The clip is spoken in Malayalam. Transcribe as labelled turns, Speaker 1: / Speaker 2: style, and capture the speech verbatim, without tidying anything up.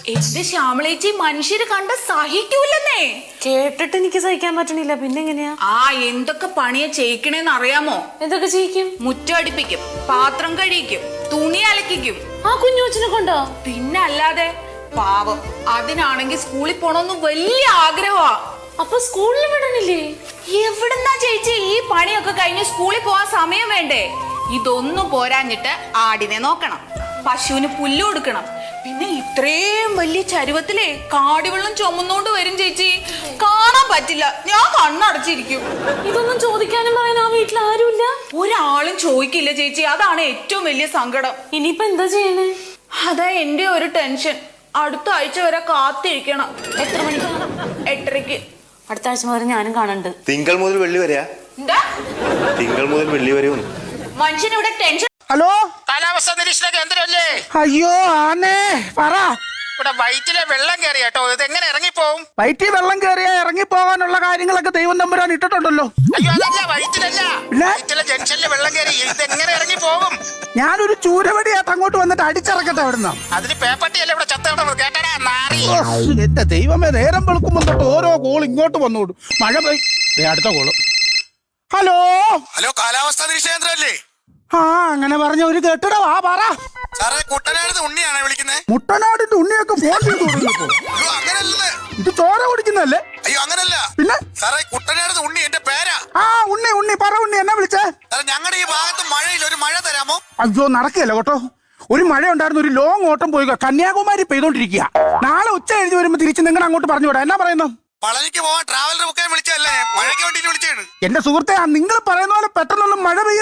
Speaker 1: എന്റെ ശ്യാമളേച്ചി മനുഷ്യര് കണ്ട സഹിക്കൂലെന്നേ.
Speaker 2: കേട്ടിട്ട് എനിക്ക് സഹിക്കാൻ പറ്റണില്ല. പിന്നെ എങ്ങനെയാ?
Speaker 1: ആ എന്തൊക്കെ പണിയാ ചെയ്യിക്കണേന്ന് അറിയാമോ?
Speaker 2: എന്തൊക്കെ ചെയ്യിക്കും?
Speaker 1: മുറ്റടിപ്പിക്കും, പാത്രം കഴിക്കും, തുണി അലക്കിക്കും.
Speaker 2: ആ കുഞ്ഞുവച്ചിനെ കൊണ്ടോ?
Speaker 1: പിന്നെ അല്ലാതെ. പാവം, അതിനാണെങ്കിൽ സ്കൂളിൽ പോണോന്ന് വലിയ ആഗ്രഹമാ.
Speaker 2: അപ്പൊ സ്കൂളിൽ വിടണില്ലേ?
Speaker 1: എവിടുന്നാ ചേച്ചി ഈ പണിയൊക്കെ കഴിഞ്ഞ് സ്കൂളിൽ പോവാൻ സമയം വേണ്ടേ? ഇതൊന്നും പോരാഞ്ഞിട്ട് ആടിനെ നോക്കണം, പശുവിന് പുല്ല് കൊടുക്കണം. പിന്നെ ഇത്രയും വലിയ ചരുവത്തിലെ കാടിവെള്ളം ചുമന്നോണ്ട് വരും ചേച്ചി. കാണാൻ പറ്റില്ല, ഞാൻ കണ്ണടച്ചിരിക്കും.
Speaker 2: ഇതൊന്നും ചോദിക്കാനും പറയാൻ ആ വീട്ടിൽ ആരുമില്ല?
Speaker 1: ഒരാളും ചോദിക്കില്ല ചേച്ചി, അതാണ് ഏറ്റവും വലിയ സങ്കടം.
Speaker 2: ഇനിയിപ്പോ എന്താ ചെയ്യണേ?
Speaker 1: അതാ എന്റെ ഒരു ടെൻഷൻ. അടുത്ത ആഴ്ച വരെ കാത്തിരിക്കണം.
Speaker 2: എത്ര മണിക്ക്?
Speaker 1: എട്ടരയ്ക്ക്.
Speaker 2: അടുത്ത ആഴ്ച മുതൽ ഞാനും കാണുന്നുണ്ട്.
Speaker 3: തിങ്കൾ മുതൽ വെള്ളി വരെയാ?
Speaker 1: എന്താ?
Speaker 3: തിങ്കൾ മുതൽ വെള്ളി വരെ.
Speaker 1: മനുഷ്യനിവിടെ ടെൻഷൻ.
Speaker 4: ഹലോ,
Speaker 5: കാലാവസ്ഥ നിരീക്ഷണ കേന്ദ്രമല്ലേ?
Speaker 4: അയ്യോ ആന്നേ, പറ.
Speaker 5: ഇവിടെ വയറ്റിലെ വെള്ളം കയറി കേട്ടോ, ഇത് എങ്ങനെ ഇറങ്ങിപ്പോവും?
Speaker 4: വയറ്റിൽ വെള്ളം കയറിയ ഇറങ്ങി പോകാനുള്ള കാര്യങ്ങളൊക്കെ ദൈവം തമ്പുരാൻ ഇട്ടിട്ടുണ്ടല്ലോ.
Speaker 5: അയ്യോ അതല്ല, വയറ്റിലല്ല,
Speaker 4: പിന്നെ?
Speaker 5: വയറ്റിലെ ജംഗ്ഷനിൽ വെള്ളം കയറി, ഇത് എങ്ങനെ ഇറങ്ങി പോകും?
Speaker 4: ഞാനൊരു ചൂരവടിയായിട്ട് അങ്ങോട്ട് വന്നിട്ട് അടിച്ചിറക്കട്ടെ അവിടുന്ന്.
Speaker 5: അതിന് പേപ്പട്ടിയല്ലേ ഇവിടെ ചത്തടന്നത്, കേട്ടടാ നാറി.
Speaker 4: എന്റെ ദൈവമേ, നേരം വെളുക്കുമ്പോൾ തൊട്ട് ഓരോ കോൾ ഇങ്ങോട്ട് വന്നോടും. മഴ പെയ്. ദേ അടുത്ത കോള്. ഹലോ
Speaker 5: ഹലോ, കാലാവസ്ഥ നിരീക്ഷണ കേന്ദ്രമല്ലേ?
Speaker 4: ആ അങ്ങനെ പറഞ്ഞ ഒരു കെട്ടിട. വാ പറ.
Speaker 5: സാറേ, കുട്ടനാട് ഉണ്ണിയാണോ വിളിക്കുന്നത്?
Speaker 4: മുട്ടനാടിന്റെ ഉണ്ണിയൊക്കെ ഫോൺ ചെയ്ത് തുടങ്ങിയപ്പോ.
Speaker 5: അയ്യോ അങ്ങനല്ലേ,
Speaker 4: ഇത് ചോര കുടിക്കുന്നല്ലേ?
Speaker 5: അയ്യോ അങ്ങനല്ല.
Speaker 4: പിന്നെ
Speaker 5: സാറേ, കുട്ടനാട് ഉണ്ണി എന്റെ പേരാ.
Speaker 4: ആ ഉണ്ണി ഉണ്ണി പറ ഉണ്ണി, എന്നെ വിളിച്ചേ.
Speaker 5: സാറേ, ഞങ്ങളുടെ ഈ ഭാഗത്ത് മഴയിൽ ഒരു മഴ തരാമോ?
Speaker 4: അയ്യോ നടക്കുകയല്ല കേട്ടോ. ഒരു മഴ ഉണ്ടായിരുന്നു, ഒരു ലോങ് ഓട്ടം പോയി കന്യാകുമാരി പെയ്തോണ്ടിരിക്കുക. നാളെ ഉച്ച കഴിഞ്ഞ് വരുമ്പോ തിരിച്ച് നിങ്ങൾ അങ്ങോട്ട് പറഞ്ഞു വിടാം. എന്നാ പറയുന്നു?
Speaker 5: പളനിക്ക് പോവാൻ ട്രാവലർ ബുക്കാൻ വിളിച്ചല്ലേ, മഴയ്ക്ക് വേണ്ടിട്ട് വിളിച്ചാണ്.
Speaker 4: എന്റെ സുഹൃത്തെ, നിങ്ങൾ പറയുന്ന പോലെ പെട്ടെന്നൊന്നും മഴ പെയ്യ